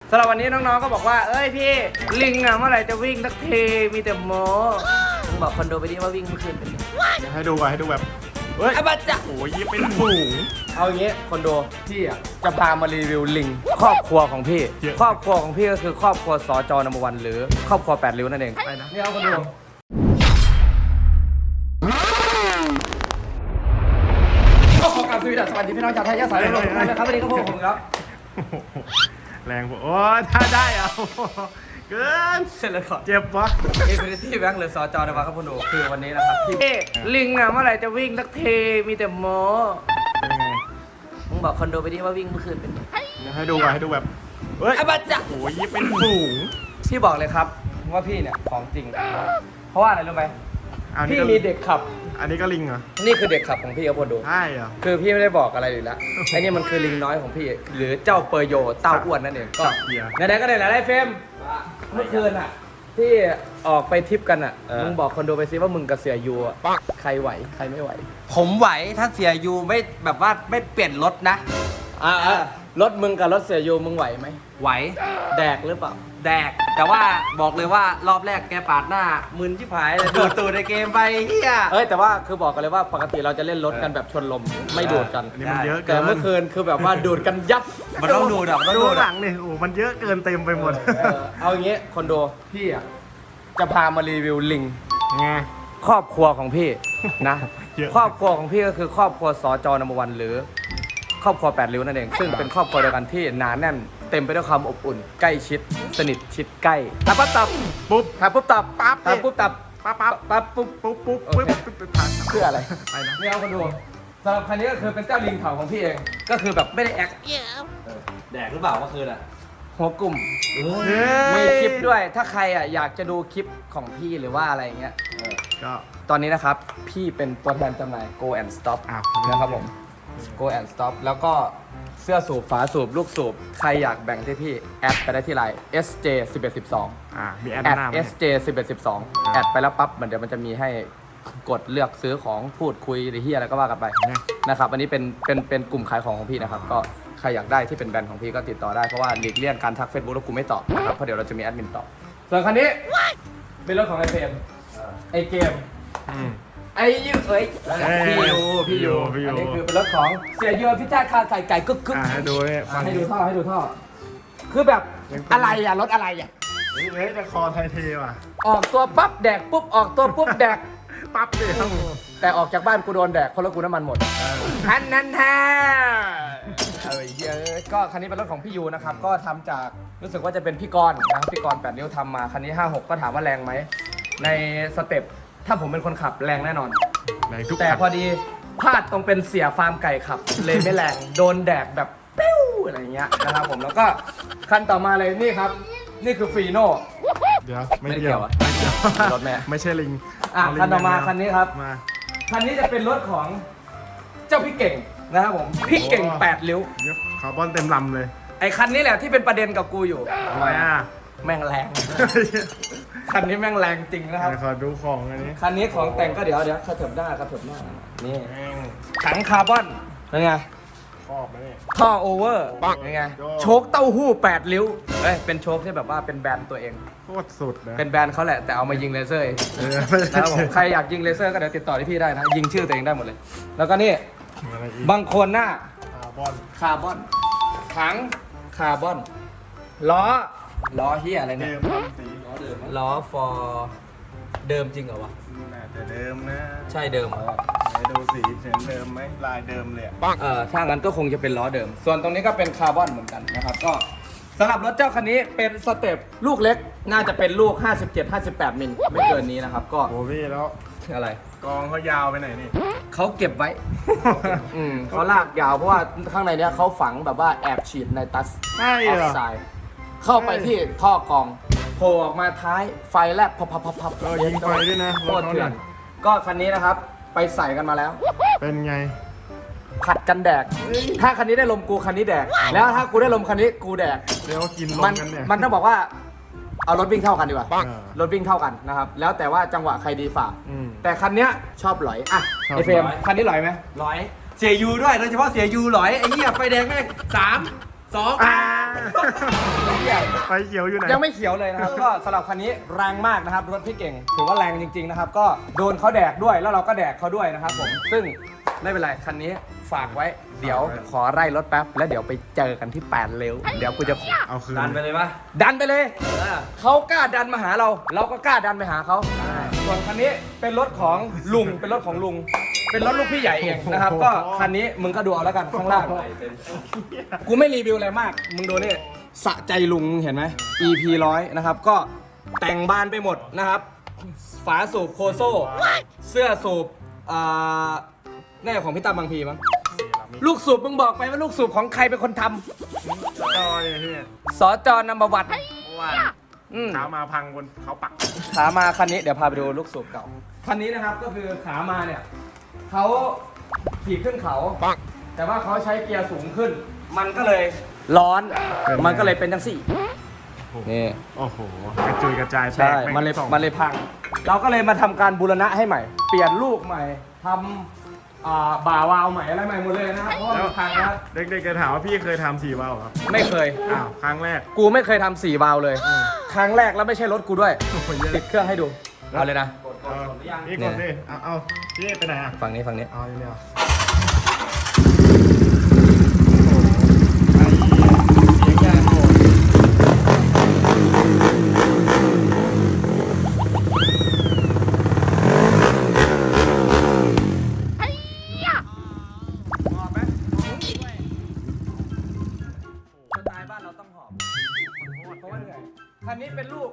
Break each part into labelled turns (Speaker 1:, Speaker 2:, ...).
Speaker 1: สำหรับวันนี้น้องๆก็บอกว่าเอ้ยพี่ลิงอ่ะเมื่อไหร่จะวิ่งสักทีมีแต่โม้มึงบอกคอนโดไปดิว่าวิ่งเมื่อคืนเป็นไง
Speaker 2: ให้ดูแบบเฮ้ย
Speaker 1: อาบัจจะ
Speaker 2: โอ้ยเป็นฝูง
Speaker 1: เอาอย่างงี้คอนโดพี่อ่ะจะพามารีวิวลิงครอบครัวของพี่ครอบครัวของพี่ก็คือครอบครัวสจนัมเบอร์วันหรือครอบครัว8ริ้วนั่นเองไปนะนี่เอาคอนโดก็ขอกราบสวัสดีพี่น้องชาวไทยยะสายลมนะครับวันนี้ก็พบผมครับ
Speaker 2: แรงโอ้ถ้าได้เอาเกิน
Speaker 1: เสร็จแล้วก่อน
Speaker 2: เจ็บวะ
Speaker 1: เอฟเฟตี้แบงค์หรือสจนัมเบอร์ครับคุณดูคือวันนี้นะครับพี่ลิงอ่ะเมื่อไหร่จะวิ่งสักทีมีแต่โม้มึงบอกคอนโดไปดิว่าวิ่งเมื่อคืนเป็นไง
Speaker 2: ให้ดูแบบเฮ้ย
Speaker 1: อาบัจจะ
Speaker 2: โอ้ยเป็นฝูง
Speaker 1: พี่บอกเลยครับว่าพี่เนี่ยของจริงเพราะว่าอะไรรู้ไหมพี่มีเด็กขับ
Speaker 2: อันนี้ก็ลิงเหรอ
Speaker 1: นี่คือเด็กขับของพี่ครับคนดู
Speaker 2: ใช่เหรอ
Speaker 1: คือพี่ไม่ได้บอกอะไรเลยละไอ้นี่มันคือลิงน้อยของพี่หรือเจ้าเปอร์โยเต้าอ้วนนั่นเองก็ไหนๆก็ไหนๆได้เฟมเมื่อคืนอ่ะที่ออกไปทริปกันอ่ะมึงบอกคอนโดไปซิว่ามึงกับเสียยูอ่ะใครไหวใครไม่ไหว
Speaker 3: ผมไหวถ้าเสียยูไม่แบบว่าไม่เปลี่ยนรถนะ
Speaker 1: รถมึงกับรถเสียยูมึงไหวไหม
Speaker 3: ไหว
Speaker 1: แดกหรือเปล่า
Speaker 3: แดกแต่ว่าบอกเลยว่ารอบแรกแกปาดหน้ามึนชิบหายเลยดูดตูดในเกมไปเฮีย
Speaker 1: แต่ว่าคือบอกกันเลยว่าปกติเราจะเล่นรถกันแบบชนลมไม่ดูดกัน
Speaker 2: อันนี้มันเยอะ
Speaker 1: แต่เมื่อคืนคือแบบว่าดูดกันยับ
Speaker 3: มันต้องดูดมันต้อง
Speaker 2: ดู
Speaker 3: ด
Speaker 2: หลังนี่โอ้มันเยอะเกินเต็มไปหมด
Speaker 1: เอาอย่างงี้คอนโดพี่อ่ะจะพามารีวิวลิง
Speaker 2: ไง
Speaker 1: ครอบครัวของพี่นะครอบครัวของพี่ก็คือครอบครัวสจนัมเบอร์วันหรือครอบครัว8ริ้วนั่นเองซึ่งเป็นครอบครัวเดียวกันที่หนาแน่นเต็มไปด้วยความอบอุ่นใกล้ชิดสนิทชิดใกล้ตับปั๊บตับ
Speaker 2: ปุ๊บ
Speaker 1: ตับปุ๊บตับ
Speaker 2: ปั๊บ
Speaker 1: ตับปุ๊บตับ
Speaker 2: ปั๊บปุ๊บ
Speaker 1: เพื่ออะไรไปนะนี่เอาคนดูสำหรับคันนี้ก็คือเป็นเจ้าลิงเขาของพี่เองก็คือแบบไม่ได้แอค
Speaker 3: แดกหรือเปล่าเมื่อคืนอ่ะ
Speaker 1: หัวกลุ่มมีคลิปด้วยถ้าใครอ่ะอยากจะดูคลิปของพี่หรือว่าอะไรเงี้ย
Speaker 2: ก็
Speaker 1: ตอนนี้นะครับพี่เป็นตัวแทนจำหน่าย Go and Stop นะครับผม Go and Stop แล้วก็เสื้อสูบฝาสูบลูกสูบใครอยากแบ่งที่พี่แอดไปได้ที่ไลน์ SJ 1112
Speaker 2: มีแอด
Speaker 1: SJ 1112แอดไปแล้วปั๊บเดี๋ยวมันจะมีให้กดเลือกซื้อของพูดคุยหรือที่อะไรก็ว่ากันไปนะครับอันนี้เป็นกลุ่มขายของพี่นะครับก็ใครอยากได้ที่เป็นแบรนด์ของพี่ก็ติดต่อได้เพราะว่าหลีกเลี่ยงการทัก Facebook แล้วกูไม่ตอบนะครับเพราะเดี๋ยวเราจะมีแอดมินตอบส่วนคันนี้เป็นรถของไอเฟมไอเกมไอ้ยูพี่ยูอันนี้คือเป็นรถของเสียยูพิชาคาไก่กึก
Speaker 2: ให้ดู
Speaker 1: ให้ดูท่อคือแบบอะไรอ่ะรถอะไรอ่ะ
Speaker 2: นี่จะคอไทยเทว่ะ
Speaker 1: ออกตัวปั๊บแดกปุ๊บออกตัวปุ๊บแดก
Speaker 2: ปั๊บเลย
Speaker 1: แต่ออกจากบ้านกูโดนแดกเพราะรถกูน้ำมันหมดคันนั้นแท้ก็คันนี้เป็นรถของพี่ยูนะครับก็ทำจากรู้สึกว่าจะเป็นพี่กรณ์นะครับพี่กรณ์8นิ้วทำมาคันนี้56ก็ถามว่าแรงไหมในสเต็ปถ้าผมเป็นคนขับแรงแน่นอนแต่พอดีพลาดตรงเป็นเสียฟาร์มไก่ขับเลยไม่แรงโดนแดกแบบปิ้วอะไรเงี้ยนะครับผมแล้วก็คันต่อมาเลยนี่ครับนี่คือฟีโน่
Speaker 2: เดี๋ยวไม่เกี่ยว
Speaker 1: รถแม่
Speaker 2: ไม่ใช่ลิง
Speaker 1: คันต่อมาคันนี้ครับคันนี้จะเป็นรถของเจ้าพี่เก่งนะครับผมพี่เก่ง8ริ้ว
Speaker 2: คาร์บอนเต็มลำเลย
Speaker 1: ไอ้คันนี้แหละที่เป็นประเด็นกับกูอยู่
Speaker 2: ทำไมอ่ะ
Speaker 1: แม่งแรงคันนี้แม่งแรงจริงนะครับ
Speaker 2: ขอดูของอันนี้
Speaker 1: คันนี้ของแต่งก็เดี๋ยวกระเถิบหน้นี่ถังคาร์บอนเป็นไง
Speaker 2: ครอบนี่
Speaker 1: ท่อโอเวอร์เป็นไงโชคเต้าหู้8ริ้วเป็นโชคที่แบบว่าเป็นแบรนด์ตัวเอง
Speaker 2: โคตรสุดนะ
Speaker 1: เป็นแบรนด์เขาแหละแต่เอามายิงเลเซอร์นะครับผมใครอยากยิงเลเซอร์ก็เดี๋ยวติดต่อที่พี่ได้นะยิงชื่อตัวเองได้หมดเลยแล้วก็นี่บางคนหน้าคาร์บอนถังคาร์บอนล้อเฮียอะไรเนี่ยล้อฟอร์เดิมจริงเหรอวะ
Speaker 2: แต่เดิมนะ
Speaker 1: ใช่เดิม
Speaker 2: ดูสีเห็นเดิมไหมลายเดิมเลย
Speaker 1: ถ้างั้นก็คงจะเป็นล้อเดิมส่วนตรงนี้ก็เป็นคาร์บอนเหมือนกันนะครับก็สำหรับรถเจ้าคันนี้เป็นสเต็ปลูกเล็กน่าจะเป็นลูก57-58มิลไม่เกินนี้นะครับก็
Speaker 2: โอ้พี่แล้ว
Speaker 1: อะไร
Speaker 2: กองเขายาวไปไหนนี่
Speaker 1: เขาเก็บไว้เขาลากยาวเพราะว่าข้างในเนี้ยเขาฝังแบบว่าแอบฉีดในตัส
Speaker 2: ใช่เหรอ
Speaker 1: เข้าไปที่ท่อกองโผล่ออกมาท้ายไฟแลบพับ
Speaker 2: ยิงไฟด้วยนะ
Speaker 1: โคตรเถื่อนก็คันนี้นะครับไปใส่กันมาแล้ว
Speaker 2: เป็นไง
Speaker 1: ผัดกันแดกถ้าคันนี้ได้ลมกูคันนี้แดกแล้วถ้ากูได้ลมคันนี้กูแดก
Speaker 2: เดี๋ยวกินลมกันเนี่ย
Speaker 1: มันต้องบอกว่าเอารถวิ่งเท่ากันดีกว่ารถวิ่งเท่ากันนะครับแล้วแต่ว่าจังหวะใครดีฝ่าแต่คันนี้ชอบหลอยอ่ะไอเฟรมคันนี้หลอยไหม
Speaker 3: หลอยเสียยูด้วยโดยเฉพาะเสียยูหลอยไอ้เหี้ยไฟแดงแม่ง3 2
Speaker 2: ไฟเขียวอยู่ไหน
Speaker 1: ยังไม่เขียวเลยนะครับ ก็สำหรับคันนี้แรงมากนะครับรถพี่เก่งถือว่าแรงจริงๆนะครับ ก็โดนเขาแดกด้วยแล้วเราก็แดกเขาด้วยนะครับผมซึ่งไม่เป็นไรคันนี้ฝากไว้เดี๋ยวขอไล่รถแป๊บแล้วเดี๋ยวไปเจอกันที่8เร็วเดี๋ยวกูจะ
Speaker 2: เอาคืน
Speaker 3: ดันไปเลยปะ
Speaker 1: ดันไปเลยเขากล้าดันมาหาเรา เราก็กล้าดันไปหาเขาส่วนคันนี้เป็นรถของลุงเป็นรถของลุงเป็นรถลูกพี่ใหญ่เองนะครับ ก็คันนี้มึงก็ดูเอาแล้วกันข้างล่างกูไม่รีวิวอะไรมากมึงดูนี่สะใจลุงเห็นไหม EP 100นะครับก็แต่งบานไปหมดนะครับฝาสูบโคโซ่เสื้อสูบแน่ของพี่ตั้มบางพีมั้งลูกสูบมึงบอกไปว่าลูกสูบของใครเป็นคนท
Speaker 2: ต่อยพี่
Speaker 1: ำสจนำมาวัด
Speaker 2: ว่า
Speaker 1: อืม
Speaker 2: ขามาพังบนเขาปัก
Speaker 1: ขามาคันนี้เดี๋ยวพาไปดูลูกสูบเก่าคันนี้นะครับก็คือขามาเนี่ยเขาขี่ขึ้นเขาแต่ว่าเขาใช้เกียร์สูงขึ้น มันก็เลยร้อนมันก็เลยเป็นจังสี่นี่
Speaker 2: โอ้โหกระจุยกระจายแต
Speaker 1: ใช่
Speaker 2: ก
Speaker 1: มันเลย
Speaker 2: ส่ง
Speaker 1: มันเลยพัง เราก็เลยมาทำการบูรณะให้ใหม่ เปลี่ยนลูกใหม่ทำบ่าวาล์วใหม่อะไรใหม่หมดเลยนะครับเพราะว่ามันพังแล้ว
Speaker 2: เด็กๆจะถามว่าพี่เคยทำ4 วาล์วครับ
Speaker 1: ไม่เคย
Speaker 2: อ้าวครั้งแรก
Speaker 1: กูไม่เคยทำ4 วาล์วเลย ครั้งแรกแล้วไม่ใช่รถกูด้วย
Speaker 2: โอ้โหเยอะ
Speaker 1: ติดเครื่องให้ดูเอาเลยนะ
Speaker 2: เอานี่กดดิเอาพี่ไปไหนอ่ะ
Speaker 1: ฝั่งนี้ฝั่งนี้
Speaker 2: เอาเร็วเสียงยางโหด
Speaker 1: สไตล์บ้านเราต้องหอบเพราะว่าเหนื่อยคันนี้เป็นลูก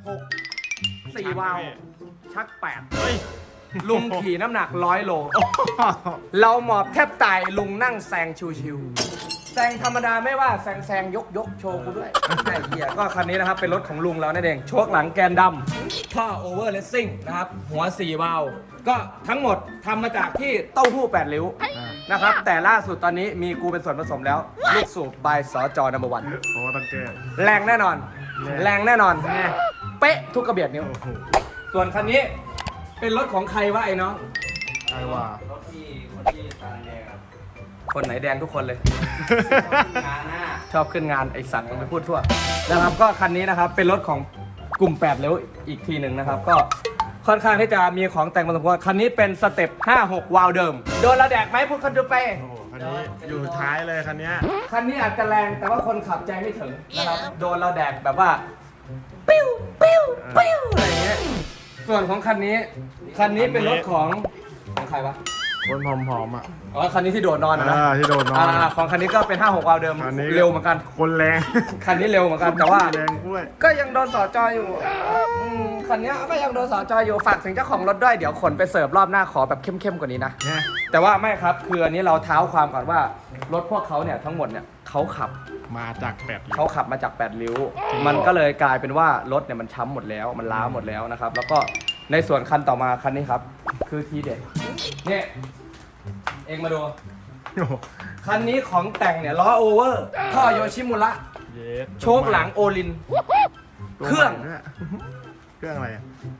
Speaker 1: 66 4 วาล์วชัก
Speaker 2: เฮ้ย
Speaker 1: 8 ลุงขี่น้ำหนัก100 โล เราหมอบแทบตายลุงนั่งแซงชิวๆแซงธรรมดาไม่ว่าแซงยกโชว์กูด้วยไอ้เหี้ยก็คันนี้นะครับเป็นรถของลุงเรานั่นเองโชคหลังแกนดำท่อโอเวอร์เลสซิ่งนะครับหัว 4 วาล์วก็ทั้งหมดทำมาจากที่เต้าหู้8 ริ้วนะครับแต่ล่าสุดตอนนี้มีกูเป็นส่วนผสมแล้ว ลูกสูบบายสจนัมเบอร์วัน
Speaker 2: โอ้ต้องเกิด
Speaker 1: แรงแน่นอน แรงแน่นอน
Speaker 2: แน่
Speaker 1: เป๊ะทุกกระเบียดนิ้ว
Speaker 2: โอ้โห
Speaker 1: ส่วนคันนี้เป็นรถของใครวะไอ้น้อง
Speaker 2: ไอ้ว่า
Speaker 3: รถที่คนที่ตาแดงครับ
Speaker 1: คนไหนแดงทุกคนเลย
Speaker 3: งานหน้า
Speaker 1: ชอบขึ้นงานไอสัตว์มันไปพูดทั่วนะครับก็คันนี้นะครับเป็นรถของกลุ่ม8เร็วอีกทีหนึ่งนะครับ ก็ค่อนข้างที่จะมีของแต่งมาสมควรคันนี้เป็นสเต็ป56 วาล์วเดิม โดนเราแดกไหมพูดกันดูไป
Speaker 2: โอ้โหคันนี้อยู่ท้ายเลยคันเนี้ย
Speaker 1: คันนี้อาจจะแรงแต่ว่าคนขับใจไม่ถึงนะครับโดนเราแดกแบบว่าปิ้วปิ้วปิ้วอะไรอย่างเงี้ยส่วนของคันนี้เป็นรถของใครวะ
Speaker 2: คนผอมๆอ่ะ
Speaker 1: อ๋อคันนี้ที่โดดนอนนะ
Speaker 2: ที่โดนนอน
Speaker 1: ของคันนี้ก็เป็น56 วาล์วเดิม
Speaker 2: คันนี้
Speaker 1: เร็วเหมือนกัน
Speaker 2: คนแรง
Speaker 1: คันนี้เร็วเหมือนกันแต่ว่า
Speaker 2: แรงกล้วย
Speaker 1: ก็ยังโดนสอจออยู่คันนี้ก็ยังโดนสอจออยู่ฝากถึงเจ้าของรถด้วยเดี๋ยวขนไปเสิร์ฟรอบหน้าขอแบบเข้มๆกว่านี้นะ
Speaker 2: เนี่ย
Speaker 1: แต่ว่าไม่ครับคืออันนี้เราเท้าความก่อนว่ารถพวกเขาเนี่ยทั้งหมดเนี่ยเขาขับ
Speaker 2: มาจาก8 ริ้ว
Speaker 1: เขาขับมาจาก8 ริ้ว มันก็เลยกลายเป็นว่ารถเนี่ยมันช้ำหมดแล้วมันล้าหมดแล้วนะครับแล้วก็ในส่วนคันต่อมาคันนี้ครับคือทีเด็ดเนี่ยเองมาดู
Speaker 2: โอ้โห
Speaker 1: คันนี้ของแต่งเนี่ยล้อโอเวอร์ท่อโยชิมุระ
Speaker 2: เย็ด
Speaker 1: โชคหลังโอลิน
Speaker 2: ตัว
Speaker 1: เครื่อง
Speaker 2: ใหม่ด้วยเครื่องอะไรอะ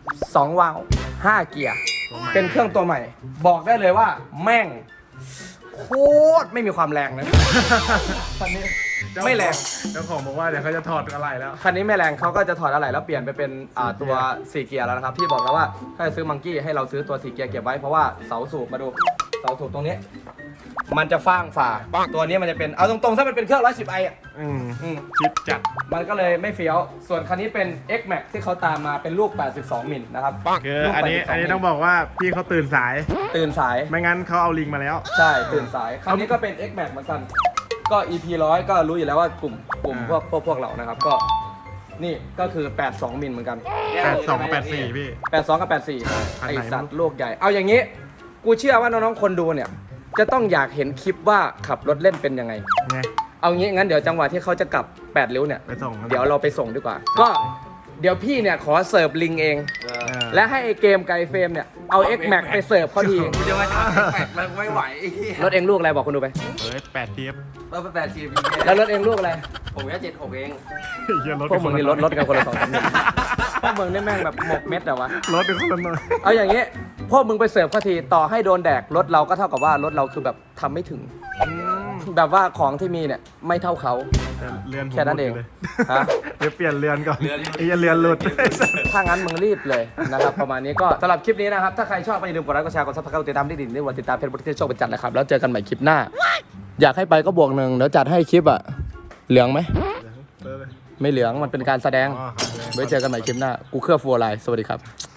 Speaker 1: 2 วาล์ว5 เกียร์
Speaker 2: ตัวใหม่
Speaker 1: เป็นเครื่องตัวใหม่ บอกได้เลยว่าแม่งโคตรไม่มีความแรงเลยคันนี้ไม่แรง
Speaker 2: เจ้าของบอกว่าเดี๋ยวเขาจะถอดอะไรแล้ว
Speaker 1: คันนี้ไม่แรงเขาก็จะถอดอะไรแล้วเปลี่ยนไปเป็นตัว 4 เกียร์แล้วนะครับพี่บอกแล้วว่าถ้าจะซื้อมังกี้ให้เราซื้อตัว 4 เกียร์เก็บไว้เพราะว่าเสาสูบมาดูเสาสูบตรงนี้ มันจะฟ้างฝ่าตัวนี้มันจะเป็นเอาตรงๆถ้ามันเป็นเครื่อง 110i อ่ะ
Speaker 2: ชิปจัด
Speaker 1: มันก็เลยไม่เฟี้ยวส่วนคันนี้เป็น X Max ที่เขาตามมาเป็นลูก 82 มิลนะครับ
Speaker 2: คือ
Speaker 1: ลูก
Speaker 2: อันนี้
Speaker 1: 82
Speaker 2: ต้องบอกว่าพี่เขาตื่นสาย
Speaker 1: ตื่นสาย
Speaker 2: ไม่งั้นเขาเอาลิงมาแล้ว
Speaker 1: ใช่ ตื่นสาย คันนี้ก็เป็น X Max เหมือนกัน ก็ EP 100 ก็รู้อยู่แล้วว่ากลุ่มพวกเรานะครับ ก็นี่ก็คือ 82 มิลเหมือนกัน
Speaker 2: 82กับ84พี่
Speaker 1: 82 กับ
Speaker 2: คัน
Speaker 1: 84
Speaker 2: ไหน
Speaker 1: ไอสัตว์โลกใหญ่ เอาอย่างนี้ กูเชื่อว่าน้องๆ คนดูเนี่ย จะต้องอยากเห็นคลิปว่าขับรถเล่นเป็นยังไง
Speaker 2: ไง
Speaker 1: เอางี้งั้นเดี๋ยวจังหวะที่เขาจะกลับ 8 ริ้วเนี่ย
Speaker 2: ไปส่งกัน
Speaker 1: เดี๋ยวเราไปส่งดีกว่า ก็เดี๋ยวพี่เนี่ยขอเสิร์ฟลิงเอง และให้ไอเกมไกลเฟรมเนี่ย เอา X Max ไปเสิร์ฟเขาที
Speaker 3: กูจะมาทำแปลกมันไม่ไหวไอ้เหี้ย
Speaker 1: รถเองลูกอะไรบอกคนดูไป
Speaker 2: เฮ้ย8 ทีฟ
Speaker 3: เราไป8 GP
Speaker 1: แล้วรถเองลูกอะไร
Speaker 3: ผมแค่76เอง
Speaker 2: เหี้ยรถ
Speaker 1: พวกมึงนี่รถกันคนละ2 3 พวกมึงนี่แม่งแบบหมกเม็ดแต่วะ
Speaker 2: รถเป็นคนละหน่อย
Speaker 1: เอาอย่างนี้ พวกมึงไปเสิร์ฟเขาทีต่อให้โดนแดกรถเราก็เท่ากับว่ารถเราคือแบบทำไม่ถึงแบบว่าของที่มีเนี่ยไม่เท่าเขา
Speaker 2: เรือนผม
Speaker 1: แค่นั้นเอง
Speaker 2: หลุดลย
Speaker 1: ฮะ
Speaker 2: เดี๋ยวเปลี่ยนเรือนก่อนไอ้เรือนหลุด
Speaker 1: ถ้างั้นมึงรีบเลยนะครับ ประมาณนี้ก็สำหรับคลิปนี้นะครับ ถ้าใครชอบก็อย่าลืมกดไลค์กดแชร์กดซับสไครต์กดติดตามที่ดิ่งนี่วันติดตามเพจบริษัทโชคเป็นจันทร์นะครับ แล้วเจอกันใหม่คลิปหน้า อยากให้ไปก็บวกหนึ่งเดี๋ยวจัดให้คลิปอะเหลืองไหมไม่เหลืองมันเป็นการแสดง
Speaker 2: อ๋อครับ
Speaker 1: ไว้เจอกันใหม่คลิปหน้ากูเครือฟัวไลน์สวัสดีครับ